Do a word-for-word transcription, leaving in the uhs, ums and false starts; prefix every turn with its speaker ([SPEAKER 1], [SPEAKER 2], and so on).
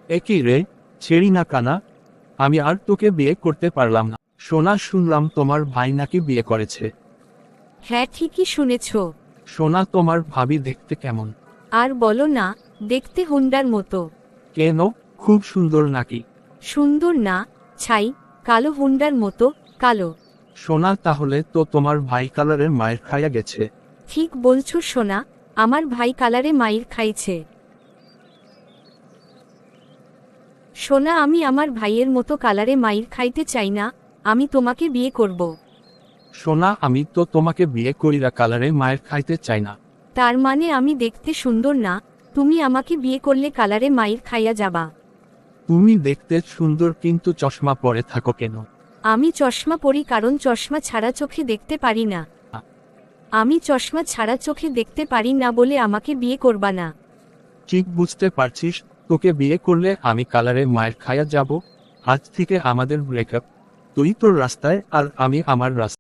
[SPEAKER 1] একই রে, ছেড়ি না কানা। আমি আর তোকে বিয়ে করতে পারলাম না। সোনা, শুনলাম তোমার ভাই নাকি বিয়ে করেছে।
[SPEAKER 2] হ্যাঁ, ঠিকই শুনেছ।
[SPEAKER 1] সোনা, তোমার ভাবি দেখতে কেমন?
[SPEAKER 2] আর বলো না, দেখতে হুন্ডার মতো।
[SPEAKER 1] কেন, খুব সুন্দর নাকি?
[SPEAKER 2] সুন্দর না, ছাই, কালো হুন্ডার মতো, কালো।
[SPEAKER 1] সোনা, তাহলে তো তোমার ভাই কালারের মায়ের খাইয়া গেছে।
[SPEAKER 2] ঠিক বলছো সোনা, আমার ভাই কালারে মাইর খাইছে। সোনা, আমি আমার ভাইয়ের মতো কালারে মাইর খাইতে চাই না, আমি তোমাকে বিয়ে করব।
[SPEAKER 1] সোনা, আমি তো তোমাকে বিয়ে করিরা কালারে মায়ের খাইতে চাই না।
[SPEAKER 2] তার মানে আমি দেখতে সুন্দর না, তুমি আমাকে বিয়ে করলে কালারে মাইর খাইয়া যাবা?
[SPEAKER 1] তুমি দেখতে সুন্দর, কিন্তু চশমা পরে থাকো কেন?
[SPEAKER 2] আমি চশমা পরি কারণ চশমা ছাড়া চোখে দেখতে পারি না। আমি চশমা ছাড়া চোখে দেখতে পারি না বলে আমাকে বিয়ে করবা না।
[SPEAKER 1] ঠিক বুঝতে পারছিস, তোকে বিয়ে করলে আমি কালারে মায়ের খাইয়া যাব। আজ থেকে আমাদের ব্রেকআপ। তুই তোর রাস্তায় আর আমি আমার রাস্তায়।